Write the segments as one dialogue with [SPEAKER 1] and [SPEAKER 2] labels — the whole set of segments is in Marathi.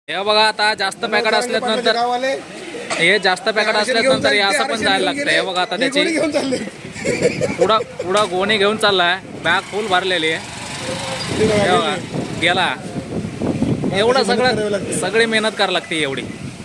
[SPEAKER 1] हे बघा आता जास्त पॅकेट असल्यानंतर हे जास्त पॅकेट असल्यानंतर हे असं पण जायला लागतं. हे बघा आता त्याची पुढं गोणी घेऊन चाललाय, बॅग फुल भरलेली आहे. हे बघा गेला. एवढं सगळी मेहनत करावी लागते एवढी.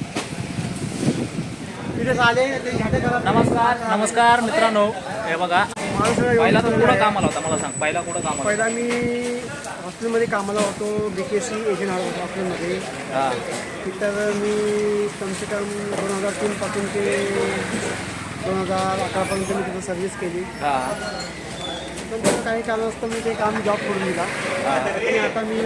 [SPEAKER 1] नमस्कार मित्रांनो. हे बघा पहिला तर कुठं कामाला होता मला सांग, पहिला कुठं कामाला?
[SPEAKER 2] पहिला मी हॉस्टेलमध्ये कामाला होतो, BKC एजंट होतो हॉस्टेलमध्ये.
[SPEAKER 1] हां.
[SPEAKER 2] तिथं मी कमसे कम 2003 पासून ते 2011पर्यंत मी तिथं सर्व्हिस केली.
[SPEAKER 1] हां.
[SPEAKER 2] पण काही कारणास्तव मी ते काम जॉब करून दिला आणि आता मी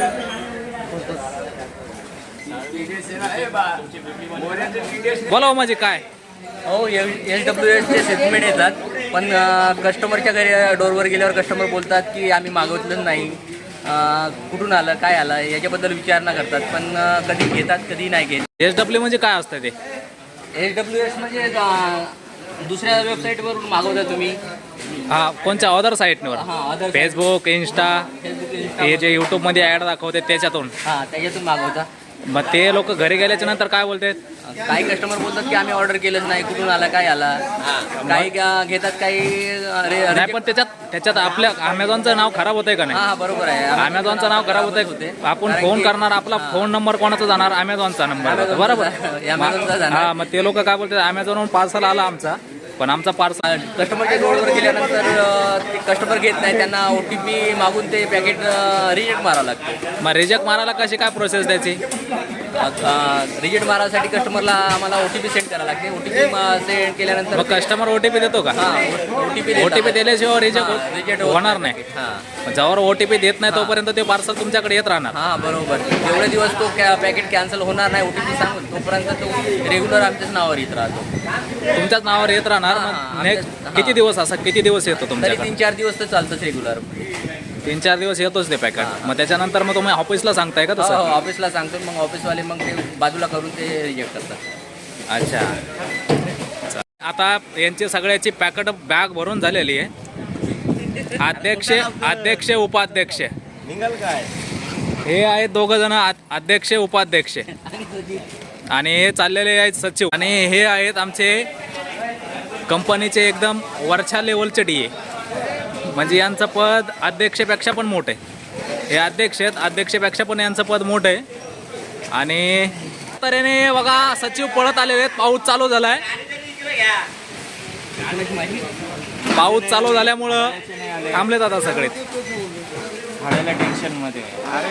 [SPEAKER 1] बोला म्हणजे काय?
[SPEAKER 3] हो, SWSचे सेटलमेंट येतात, पण कस्टमरच्या घरी डोरवर गेल्यावर कस्टमर बोलतात की आम्ही मागवतलं नाही, कुठून आलं काय आलं याच्याबद्दल विचारणा करतात, पण कधी घेतात कधी नाही घेत.
[SPEAKER 1] SW म्हणजे काय असतं ते?
[SPEAKER 3] SWS म्हणजे दुसऱ्या वेबसाईटवरून मागवता तुम्ही.
[SPEAKER 1] हा, कोणत्या अदर साईटवर?
[SPEAKER 3] हां,
[SPEAKER 1] फेसबुक, इंस्टा, हे जे यूट्यूबमध्ये ॲड दाखवते त्याच्यातून.
[SPEAKER 3] हां, त्याच्यातून मागवता.
[SPEAKER 1] मग ते लोक घरी गेल्याच्या नंतर काय बोलतात?
[SPEAKER 3] काही कस्टमर बोलतात की आम्ही ऑर्डर केलंच नाही, कुठून आला काय आला. काही घेतात, काही
[SPEAKER 1] नाही, पण त्याच्यात आपल्या अमेझॉनचं नाव खराब होतंय का नाही?
[SPEAKER 3] हां, बरोबर आहे.
[SPEAKER 1] अमेझॉनचं नाव खराब होतंय. आपण फोन करणार, आपला फोन नंबर कोणाचा जाणार? अमेझॉनचा नंबर, बरोबर. हा, मग ते लोक काय बोलतात, अमेझॉनवरून पार्सल आला आमचा, पण आमचा पार्सल
[SPEAKER 3] कस्टमरच्या डोरवर गेल्यानंतर ते कस्टमर घेत नाही, त्यांना OTP मागून ते पॅकेट रिजेक्ट मारावं लागतं.
[SPEAKER 1] मग रिजेक्ट मारायला कशी काय प्रोसेस द्यायची?
[SPEAKER 3] रिजेक्ट मारायसाठी कस्टमरला आम्हाला OTP सेंड करावं लागते. OTP सेंड केल्यानंतर
[SPEAKER 1] मग कस्टमर OTP देतो का? OTP दिल्याशिवाय रिजेक्ट होणार नाही.
[SPEAKER 3] हां,
[SPEAKER 1] ज्यावर OTP देत नाही तोपर्यंत ते पार्सल तुमच्याकडे येत राहणार.
[SPEAKER 3] हां, बरोबर. जेवढे दिवस तो पॅकेट कॅन्सल होणार नाही OTP सांगून, तोपर्यंत तो रेग्युलर आमच्याच नावावर येत राहतो.
[SPEAKER 1] तुमच्याच नावावर येत राहणार. किती दिवस किती दिवस येतो
[SPEAKER 3] तरी
[SPEAKER 1] तुमच्याकडे?
[SPEAKER 3] 3-4 दिवस तर चालतंच रेग्युलर.
[SPEAKER 1] 3-4 दिवस येतोच ते पॅकेट. मग त्याच्यानंतर मग तुम्ही ऑफिसला सांगताय का तसं?
[SPEAKER 3] ऑफिसला सांगतो, मग ऑफिसवाले मग ते बाजूला करून ते रिजेक्ट करतात.
[SPEAKER 1] अच्छा. आता यांची सगळ्याची पॅकेट बॅग भरून झालेली आहे. अध्यक्ष उपाध्यक्ष हे आहेत दोघं जण, अध्यक्ष उपाध्यक्ष, आणि हे चाललेले आहेत सचिव, आणि हे आहेत आमचे कंपनीचे एकदम वरच्या लेवलचे DA. म्हणजे यांचं पद अध्यक्षपेक्षा पण मोठं आहे. हे अध्यक्ष आहेत, अध्यक्षपेक्षा पण यांचं पद मोठं आहे. आणि तऱ्हेने बघा सचिव पळत आलेले आहेत. पाऊस चालू झालाय. पाऊस चालू झाल्यामुळं थांबलेत आता सगळे. टेन्शन मध्ये.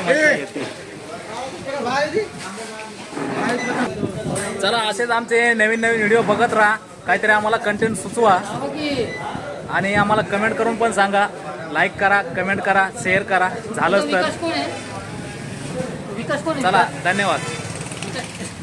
[SPEAKER 1] चला, असेच आमचे नवीन व्हिडिओ बघत राहा. काहीतरी आम्हाला कंटेंट सुचवा आणि आम्हाला कमेंट करून पण सांगा. लाईक करा, कमेंट करा, शेअर करा झालंच तर. चला, धन्यवाद.